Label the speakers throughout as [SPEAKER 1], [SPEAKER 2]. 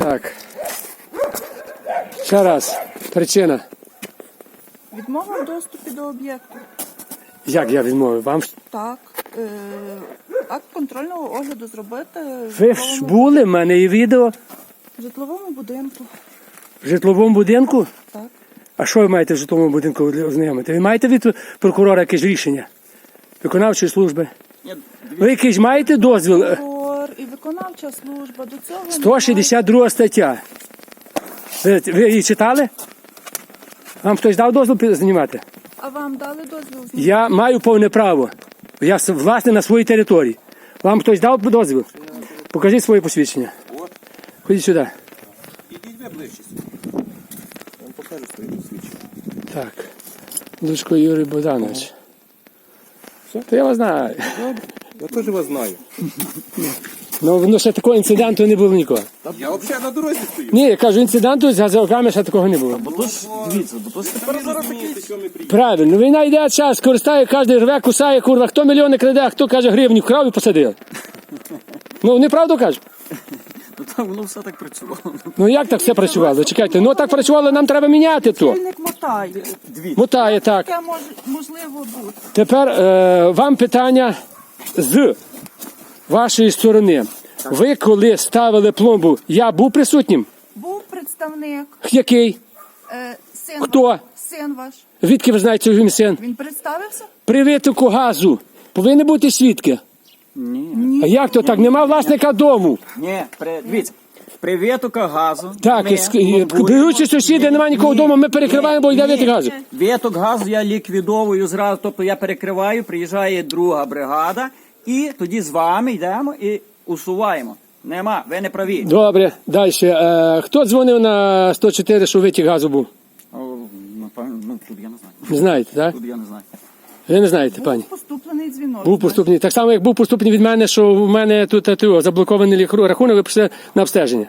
[SPEAKER 1] Так. Ще раз. Причина.
[SPEAKER 2] Відмова в доступі до об'єкту.
[SPEAKER 1] Як я відмовив? Вам
[SPEAKER 2] Так. Акт контрольного огляду зробити
[SPEAKER 1] ви ж були, в мене є відео
[SPEAKER 2] в житловому будинку.
[SPEAKER 1] в житловому будинку?
[SPEAKER 2] Так.
[SPEAKER 1] А що ви маєте в житловому будинку ознайомити? Ви маєте від прокурора якесь рішення? Виконавчої служби? Ви якийсь маєте дозвіл?
[SPEAKER 2] Прокурор і виконавча служба до цього
[SPEAKER 1] 162 стаття. Ви її читали? Вам хтось дав дозвіл знімати?
[SPEAKER 2] А вам дали дозвіл?
[SPEAKER 1] Я маю повне право. Я власне на своїй території. Вам хтось дав дозвіл? Покажіть своє посвідчення. Ходіть сюди.
[SPEAKER 3] Ідіть ви ближче сюди. Я вам покажу своє посвідчення.
[SPEAKER 1] Так. Лучко Юрій Богданович. То я вас знаю.
[SPEAKER 3] Я теж вас знаю.
[SPEAKER 1] Ну ще такого інциденту не було ніколи.
[SPEAKER 3] Я взагалі на дорозі стою.
[SPEAKER 1] Ні, я кажу, інциденту з газовиками ще такого не було.
[SPEAKER 3] Дивіться, бо то ж тепер зараз такий, що ми приїхали.
[SPEAKER 1] Правильно, війна йде, час, користає, кожен рве, кусає, курва. Хто мільйони краде, а хто каже гривню вкрав і посадив. Ну, неправду кажу?
[SPEAKER 4] Ну так воно все так працювало.
[SPEAKER 1] Ну як так все працювало? Чекайте, ну так працювало, нам треба міняти то.
[SPEAKER 2] Чільник мотає.
[SPEAKER 1] Мотає, так.
[SPEAKER 2] Таке можливо бути.
[SPEAKER 1] Тепер вам питання з вашої сторони. Ви коли ставили пломбу, я був присутнім?
[SPEAKER 2] Був представник,
[SPEAKER 1] Який?
[SPEAKER 2] син
[SPEAKER 1] Хто?
[SPEAKER 2] ваш. Син ваш.
[SPEAKER 1] Звідки ви знаєте, що він син?
[SPEAKER 2] Він представився?
[SPEAKER 1] При витоку газу повинні бути свідки.
[SPEAKER 4] Ні.
[SPEAKER 1] А як то так? Нема власника дому.
[SPEAKER 4] Ні, дивіться. При витоках газу.
[SPEAKER 1] Так,
[SPEAKER 4] ми
[SPEAKER 1] беручи сусіди, немає нікого вдома, ми перекриваємо, бо йде витік газу.
[SPEAKER 4] Виток газу я ліквідовую зразу, тобто я перекриваю, приїжджає друга бригада, і тоді з вами йдемо і усуваємо. Нема, ви не праві.
[SPEAKER 1] Добре, далі. Хто дзвонив на 104, що витік газу був?
[SPEAKER 4] Напевно, тут я не знаю.
[SPEAKER 1] Не знаєте, так?
[SPEAKER 4] Тут я не знаю.
[SPEAKER 1] Ви не знаєте, пані?
[SPEAKER 2] Був поступлений дзвінок.
[SPEAKER 1] Був поступний. Так само, як був поступний від мене, що в мене тут заблокований рахунок, ви прийшли на обстеження.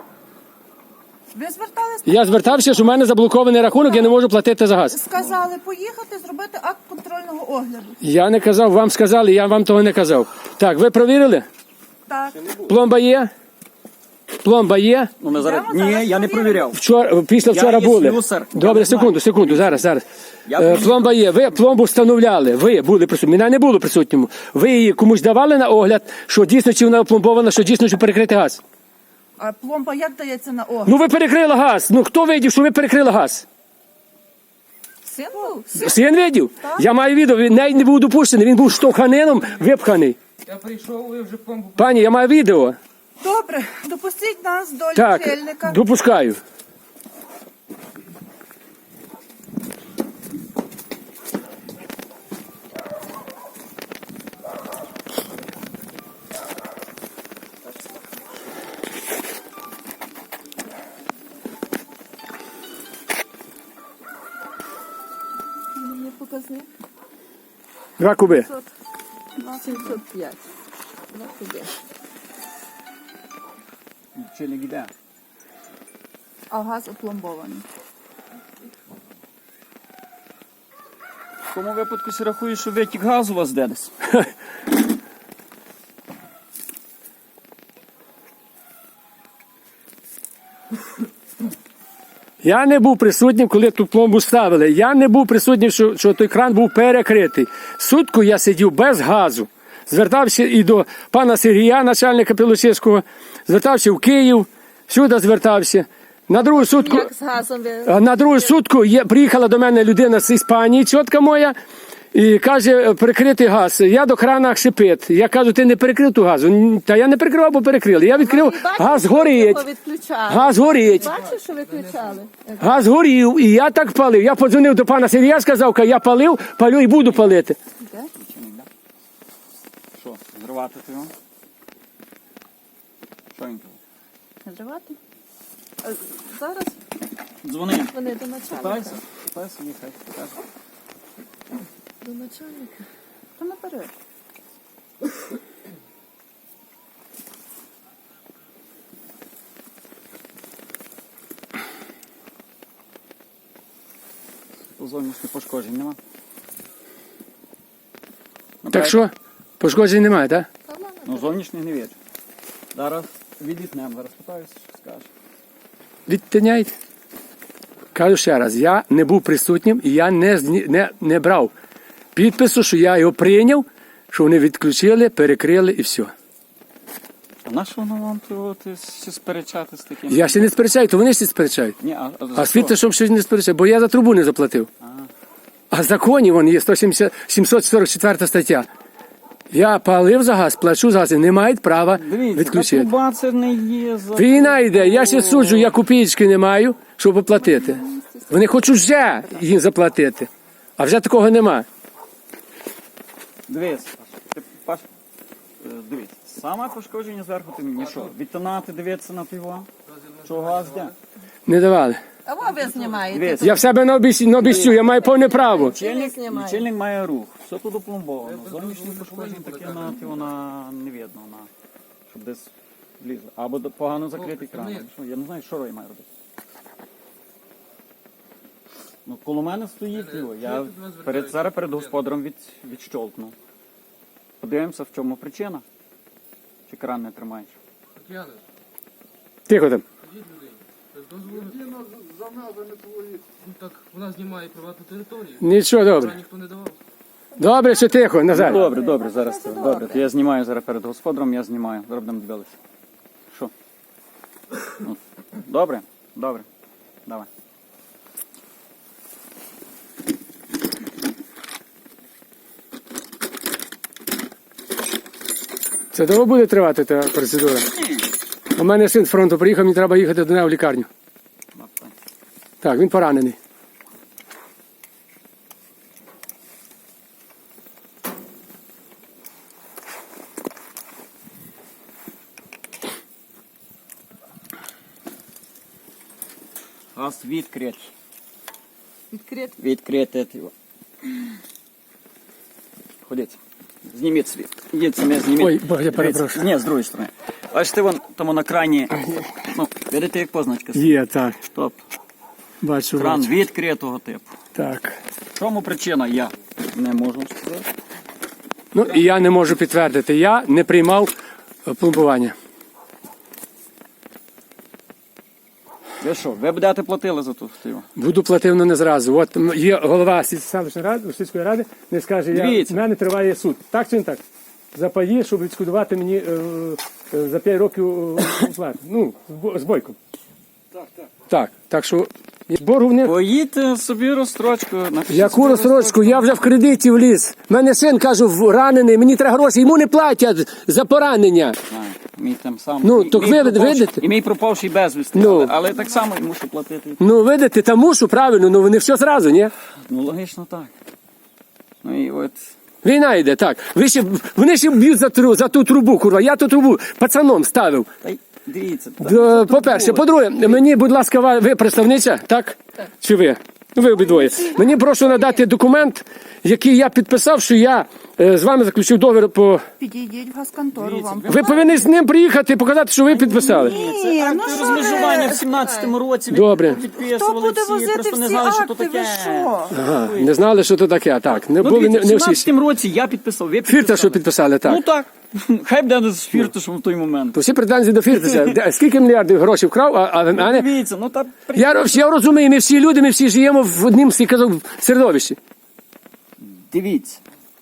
[SPEAKER 2] Ви звертались?
[SPEAKER 1] Я звертався, що в мене заблокований рахунок, я не можу платити за газ.
[SPEAKER 2] Сказали поїхати зробити акт контрольного огляду.
[SPEAKER 1] Я не казав, вам сказали, я вам того не казав. Так, ви провірили?
[SPEAKER 2] Так.
[SPEAKER 1] Пломба є? Пломба є?
[SPEAKER 4] Ну, ми зараз...
[SPEAKER 2] Йдемо
[SPEAKER 4] Ні,
[SPEAKER 2] зараз
[SPEAKER 4] я не
[SPEAKER 2] провіримо.
[SPEAKER 4] провіряв.
[SPEAKER 1] Після вчора
[SPEAKER 4] є
[SPEAKER 1] були.
[SPEAKER 4] слюсар. Я
[SPEAKER 1] Добре,
[SPEAKER 4] не знаю.
[SPEAKER 1] секунду, зараз.
[SPEAKER 4] Я
[SPEAKER 1] Пломба є. Ви пломбу встановляли. Ви були присутні. Мене не було присутньому. Ви її комусь давали на огляд, що дійсно чи вона опломбована, що дійсно чи перекрити газ?
[SPEAKER 2] А пломба як дається на огляд?
[SPEAKER 1] Ну ви перекрили газ. Ну хто видів, що ви перекрили газ?
[SPEAKER 2] Син був?
[SPEAKER 1] Син видів? Я маю відео, він навіть не був допущений, він був штовханином випханий.
[SPEAKER 5] Я прийшов, ви вже помпу.
[SPEAKER 1] Пані, я маю відео.
[SPEAKER 2] Добре, допустіть нас до
[SPEAKER 1] Так,
[SPEAKER 2] лічильника.
[SPEAKER 1] допускаю.
[SPEAKER 2] Мені показник
[SPEAKER 1] 2 куби.
[SPEAKER 2] 705.
[SPEAKER 4] Чи не йде?
[SPEAKER 2] А газ опломбований.
[SPEAKER 4] В тому випадку си рахую, що витік газу у вас де десь.
[SPEAKER 1] Я не був присутнім, коли ту пломбу ставили. Я не був присутнім, що той кран був перекритий. Сутку я сидів без газу. Звертався і до пана Сергія, начальника Пілосівського, звертався в Київ, сюди звертався. На другу сутку,
[SPEAKER 2] Як з газом ви?
[SPEAKER 1] на другу сутку приїхала до мене людина з Іспанії, тітка моя, і каже, перекритий газ. Я до крана шипить. Я кажу, ти не перекрив ту газу. Та я не перекривав, бо перекрили. Я відкрив, газ горить. Газ горить.
[SPEAKER 2] Бачиш, що виключали?
[SPEAKER 1] Газ горів, і я так палив. Я подзвонив до пана Сергія, сказав, я палив, палю і буду палити.
[SPEAKER 4] Що, зривати його? Що він каже?
[SPEAKER 2] Зривати? Зараз
[SPEAKER 4] Дзвони.
[SPEAKER 2] вони до начальника.
[SPEAKER 4] Питайся, їхай.
[SPEAKER 2] До начальника. То наперед.
[SPEAKER 4] Зовнішніх пошкоджень нема.
[SPEAKER 1] Так що, пошкоджень немає, так?
[SPEAKER 4] Ну, зовнішніх не вірю. Зараз відітнемо, зараз питаюся, що скаже.
[SPEAKER 1] відтиняйте. Кажу ще раз, я не був присутнім і я не брав підпису, що я його прийняв, що вони відключили, перекрили і все.
[SPEAKER 4] А на що воно вам тут сперечати з таким?
[SPEAKER 1] Я ще не сперечаю, то вони ще сперечають.
[SPEAKER 4] Ні,
[SPEAKER 1] А світло, щоб щось не сперечає, бо я за трубу не заплатив. А в законі вон є 744 стаття. Я палив за газ, плачу за газ, і не мають права
[SPEAKER 4] Дивіться,
[SPEAKER 1] відключити.
[SPEAKER 4] труба це не є за...
[SPEAKER 1] Війна йде, я ще суджу, я копійки не маю, щоб оплатити. Вони хочуть вже їм заплатити, а вже такого нема.
[SPEAKER 4] Дивіться, Паш, дивіться, саме пошкодження зверху ти мені що? Відтинати, дивитися на пиво? Що газ де?
[SPEAKER 1] Не давали.
[SPEAKER 2] А ви знімаєте.
[SPEAKER 4] Дивіться,
[SPEAKER 1] Я в себе на обіцю, я маю повне право.
[SPEAKER 4] лічильник має рух, все тут опломбовано. Зовнішнє пошкодження таке на вона не видно, щоб десь влізло. Або погано закритий кран. Я не знаю, що Рой має робити. Ну, коло мене стоїть його. Я зараз перед господарем відщолкну. Подивимося, в чому причина. Чи кран не тримаєш?
[SPEAKER 5] Тетяна,
[SPEAKER 1] Тихо там.
[SPEAKER 5] скажіть людині, без дозволу. Ну так, вона знімає приватну територію.
[SPEAKER 1] Нічого, добре.
[SPEAKER 5] Вона ніхто не давав.
[SPEAKER 1] Добре, що тихо, Назар.
[SPEAKER 4] Добре, зараз. Добре, то я знімаю зараз перед господарем, я знімаю. Зараз будемо дивитися. Що? Ну, добре? Добре. Давай.
[SPEAKER 1] Це довго буде тривати та процедура? У мене син з фронту приїхав, мені треба їхати до нього в лікарню. Так, він поранений.
[SPEAKER 4] Газ відкритий.
[SPEAKER 2] Відкрит.
[SPEAKER 4] Відкрити. Ходіть. Зніміть світ. Ідіть самі, зніміть.
[SPEAKER 1] Ой, Бог, я перепрошую.
[SPEAKER 4] Ні, з другої сторони. Бачите, вон тому на крані. Ну, видите, як позначка.
[SPEAKER 1] Є, так.
[SPEAKER 4] Стоп.
[SPEAKER 1] Бачу,
[SPEAKER 4] Кран
[SPEAKER 1] бачу.
[SPEAKER 4] відкритого типу.
[SPEAKER 1] Так.
[SPEAKER 4] В чому причина? Я не можу сказати.
[SPEAKER 1] Ну, і я не можу підтвердити. Я не приймав пломбування.
[SPEAKER 4] Ви що, ви будете платили за ту стиву?
[SPEAKER 1] Буду платив, але не зразу. От є голова селищної ради, сільської ради, не скаже,
[SPEAKER 4] Дивіться.
[SPEAKER 1] в мене триває суд. Так чи не так? За паї, щоб відшкодувати мені за 5 років оплату. Ну, з бойком. Так, так що боргу в них.
[SPEAKER 4] Поїдьте собі розстрочку. напишіть
[SPEAKER 1] Яку
[SPEAKER 4] собі
[SPEAKER 1] розстрочку? Я вже в кредиті вліз. Мене син, кажу, ранений, мені треба гроші, йому не платять за поранення.
[SPEAKER 4] Знаю, мій там сам.
[SPEAKER 1] Ну, так ви видите?
[SPEAKER 4] І мій пропавший безвісти.
[SPEAKER 1] Ну.
[SPEAKER 4] Але так само і мушу платити.
[SPEAKER 1] Ну, видите, та мушу, правильно, ну вони все зразу, ні?
[SPEAKER 4] Ну, логічно так. Ну і от.
[SPEAKER 1] Війна йде, так. Вони ще б'ють за ту трубу, курва. Я ту трубу пацаном ставив.
[SPEAKER 4] Та й дивіться.
[SPEAKER 1] По-перше, по-друге, мені, будь ласка, ви представниця, так? Чи ви? Ну, ви обидвоє. Мені прошу надати документ, який я підписав, що я з вами заключив договір по...
[SPEAKER 6] Підійдіть в газконтору вам.
[SPEAKER 1] Ви повинні з ним приїхати, показати, що ви підписали.
[SPEAKER 4] Це акти розмежування в 17-му році.
[SPEAKER 1] Добре.
[SPEAKER 6] Хто
[SPEAKER 4] Підписували
[SPEAKER 6] буде
[SPEAKER 4] всі,
[SPEAKER 6] возити
[SPEAKER 4] просто не
[SPEAKER 6] всі
[SPEAKER 4] знали, що то
[SPEAKER 6] акти, ви
[SPEAKER 4] таке.
[SPEAKER 6] що?
[SPEAKER 1] Ага, не знали, що це таке, так. Не
[SPEAKER 4] Ну,
[SPEAKER 1] були
[SPEAKER 4] дивіться,
[SPEAKER 1] не
[SPEAKER 4] в
[SPEAKER 1] всі.
[SPEAKER 4] 17-му році я підписав, ви підписали.
[SPEAKER 1] Фірта, що підписали, так.
[SPEAKER 4] Ну так. Хай буде з фірташем в той момент.
[SPEAKER 1] То всі претензії до Фірташа. Скільки мільярдів грошей вкрав, а не...
[SPEAKER 4] Дивіться, ну так.
[SPEAKER 1] Я розумію, ми всі люди, ми всі живемо в однім середовищі.
[SPEAKER 4] Дивіться.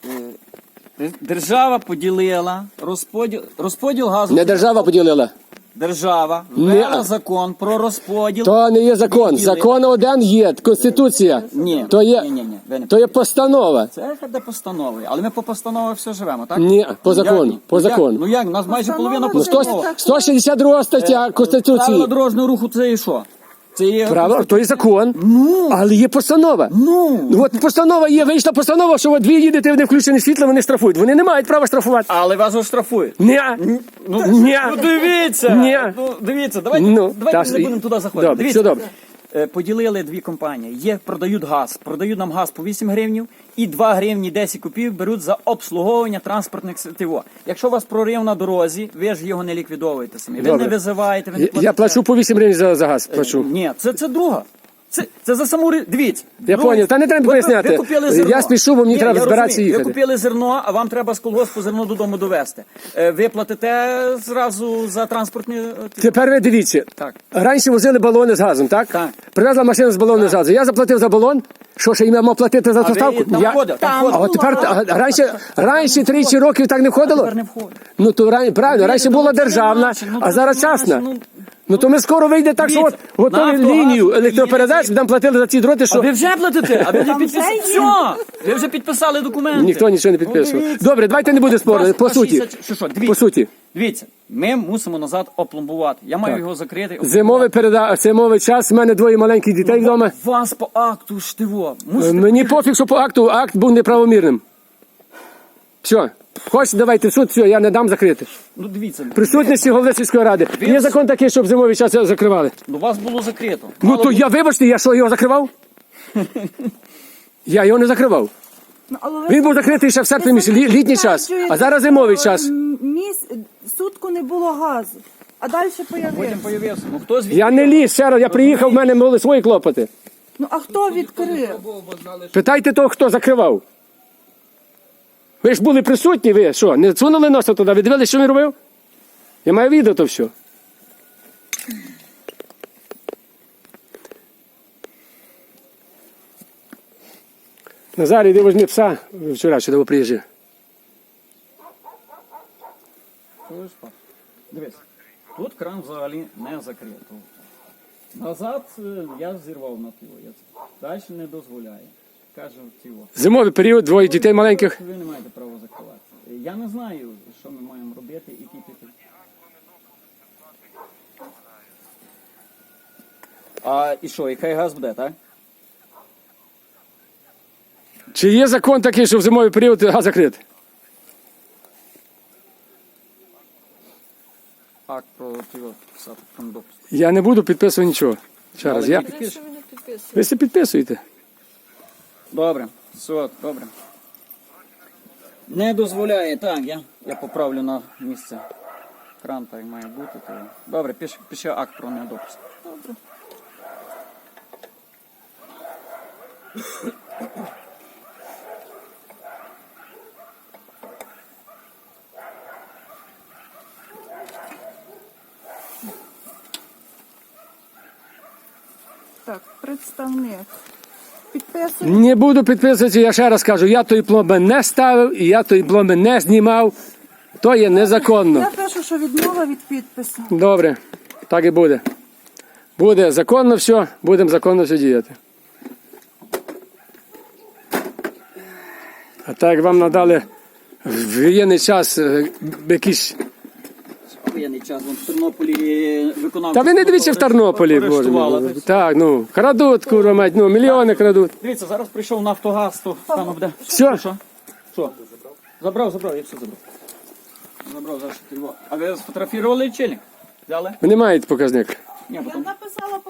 [SPEAKER 4] Держава поділила розподіл газу.
[SPEAKER 1] Не держава поділила.
[SPEAKER 4] Держава
[SPEAKER 1] Не.
[SPEAKER 4] ввела закон про розподіл.
[SPEAKER 1] То не є закон. Закон один є, Конституція.
[SPEAKER 4] Ні,
[SPEAKER 1] То є,
[SPEAKER 4] ні, ви не
[SPEAKER 1] то є постанова.
[SPEAKER 4] Це де постанови, але ми по постанові все живемо, так?
[SPEAKER 1] Ні, по закону,
[SPEAKER 4] Як?
[SPEAKER 1] по
[SPEAKER 4] Ну, як?
[SPEAKER 1] закону.
[SPEAKER 4] Ну як, у нас майже половина
[SPEAKER 1] Ну,
[SPEAKER 4] постанова.
[SPEAKER 1] 162 стаття
[SPEAKER 4] Правила
[SPEAKER 1] Конституції.
[SPEAKER 4] дорожнього руху це і що? Це є...
[SPEAKER 1] Право, то є закон.
[SPEAKER 4] Ну,
[SPEAKER 1] Але є постанова.
[SPEAKER 4] ну.
[SPEAKER 1] От постанова є, вийшла постанова, що от ви їдете, не включені світло, вони штрафують. Вони не мають права штрафувати.
[SPEAKER 4] Але вас оштрафують.
[SPEAKER 1] Ні.
[SPEAKER 4] Ну,
[SPEAKER 1] Ні.
[SPEAKER 4] ну дивіться.
[SPEAKER 1] Ні.
[SPEAKER 4] Ну, дивіться, давайте,
[SPEAKER 1] Ну,
[SPEAKER 4] давайте
[SPEAKER 1] та,
[SPEAKER 4] не будемо туди заходити.
[SPEAKER 1] добре,
[SPEAKER 4] Дивіться.
[SPEAKER 1] все добре.
[SPEAKER 4] Поділили дві компанії. Є, продають газ. Продають нам газ по 8 гривнів і 2 гривні 10 копійок беруть за обслуговування транспортних ТВО. Якщо у вас прорив на дорозі, ви ж його не ліквідовуєте самі. Ви
[SPEAKER 1] Добре.
[SPEAKER 4] не визиваєте, ви не
[SPEAKER 1] Я
[SPEAKER 4] платите.
[SPEAKER 1] плачу по 8 гривень за газ. Плачу.
[SPEAKER 4] Ні, це друга. Це за саму дивіться.
[SPEAKER 1] Я поняв. Та не треба
[SPEAKER 4] ви
[SPEAKER 1] поясняти.
[SPEAKER 4] купили зерно.
[SPEAKER 1] Я спішу, бо мені
[SPEAKER 4] Ні,
[SPEAKER 1] треба
[SPEAKER 4] я
[SPEAKER 1] збиратися
[SPEAKER 4] розумію.
[SPEAKER 1] їхати.
[SPEAKER 4] Ви купили зерно, а вам треба з колгоспу зерно додому довезти. Ви платите зразу за транспортні...
[SPEAKER 1] Тепер ви дивіться.
[SPEAKER 4] Так.
[SPEAKER 1] Раніше возили балони з газом, так?
[SPEAKER 4] Так.
[SPEAKER 1] Привезла машина з балоном з газом. Я заплатив за балон. Що ще їм мав платити за
[SPEAKER 4] А ви
[SPEAKER 1] доставку?
[SPEAKER 4] там входите? Там
[SPEAKER 1] А
[SPEAKER 4] входите.
[SPEAKER 1] от тепер раніше 30 років так не входило?
[SPEAKER 4] Тепер не входить.
[SPEAKER 1] Ну то правильно, раніше була державна, а зараз частна. Ну то ми скоро вийде так, що от
[SPEAKER 4] Дивіться,
[SPEAKER 1] готові
[SPEAKER 4] «Нафтогаз»
[SPEAKER 1] лінію
[SPEAKER 4] України
[SPEAKER 1] електропередач, нам платили за ці дроти,
[SPEAKER 4] А
[SPEAKER 1] що
[SPEAKER 4] ви вже платите? А ви вже
[SPEAKER 6] Там
[SPEAKER 4] підписали?
[SPEAKER 6] вже є.
[SPEAKER 4] Все! Ви вже підписали документи.
[SPEAKER 1] ніхто нічого не підписував.
[SPEAKER 4] дивіться.
[SPEAKER 1] Добре, давайте не буде спору. По суті.
[SPEAKER 4] Що,
[SPEAKER 1] По
[SPEAKER 4] дивіться.
[SPEAKER 1] суті.
[SPEAKER 4] Дивіться, ми мусимо назад опломбувати. Я маю його закрити.
[SPEAKER 1] Зимовий час, в мене двоє маленьких дітей вдома.
[SPEAKER 4] Вас по акту штиво.
[SPEAKER 1] Мені пофіг, що по акту акт був неправомірним. Все. Хочете, давайте в суд, все, я не дам закрити.
[SPEAKER 4] Ну дивіться,
[SPEAKER 1] Присутності голови сільської ради. Є закон такий, щоб зимовий час закривали.
[SPEAKER 4] у вас було закрито.
[SPEAKER 1] Ну то я, вибачте, я що, його закривав? Я його не закривав.
[SPEAKER 6] Ну, але ви
[SPEAKER 1] Він був закритий ще в серпні місяці, літній час, а зараз зимовий час.
[SPEAKER 6] Сутку не було газу, а далі
[SPEAKER 4] Потім
[SPEAKER 6] появився.
[SPEAKER 4] появився. Ну хто звідти?
[SPEAKER 1] Я не ліз, ще раз, я приїхав, в мене були свої клопоти.
[SPEAKER 6] Ну а хто відкрив?
[SPEAKER 1] Питайте того, хто закривав. Ви ж були присутні, ви що, не сунули носа туди, ви дивилися, що він робив? Я маю відео то все. Назарій, іди возьми пса, вчора сюди приїжджав.
[SPEAKER 4] Дивись, тут кран взагалі не закрито. Назад я зірвав на тіло. Далі не дозволяє. Кажу тіло.
[SPEAKER 1] Зимовий період, двоє дітей маленьких.
[SPEAKER 4] Ви не маєте права закривати. Я не знаю, що ми маємо робити і кіпіти. А і що, і хай газ буде, так?
[SPEAKER 1] Чи є закон такий, що в зимовий період газ закритий?
[SPEAKER 4] Акт про тіло писати там допуск.
[SPEAKER 1] Я не буду підписувати нічого. Ще раз, я... Ви все підписуєте.
[SPEAKER 4] Добре, все, добре. Не дозволяє, так, я поправлю на місце. Кран так має бути. То... Добре, пише акт про недопуск. Добре.
[SPEAKER 6] Так, представник. Підписує.
[SPEAKER 1] Не буду підписувати, я ще раз кажу, я тої пломби не ставив і я тої пломби не знімав. То є незаконно.
[SPEAKER 6] Я пишу, що відмова від підпису.
[SPEAKER 1] Добре, так і буде. Буде законно все, будемо законно все діяти. А так як вам надали в воєнний час якісь...
[SPEAKER 4] Воєнний час, вон в Тернополі виконав.
[SPEAKER 1] Та ви не дивіться в Тернополі, Боже мій. Так, ну, крадуть, курва мать, ну, мільйони крадуть.
[SPEAKER 4] Дивіться, зараз прийшов Нафтогаз, то там буде.
[SPEAKER 1] Все.
[SPEAKER 4] Що? Забрав, я все забрав. Забрав зараз. А ви сфотографували лічильник? Взяли?
[SPEAKER 1] Ви не маєте показник.
[SPEAKER 4] Ні,
[SPEAKER 6] Я
[SPEAKER 4] потім.
[SPEAKER 6] написала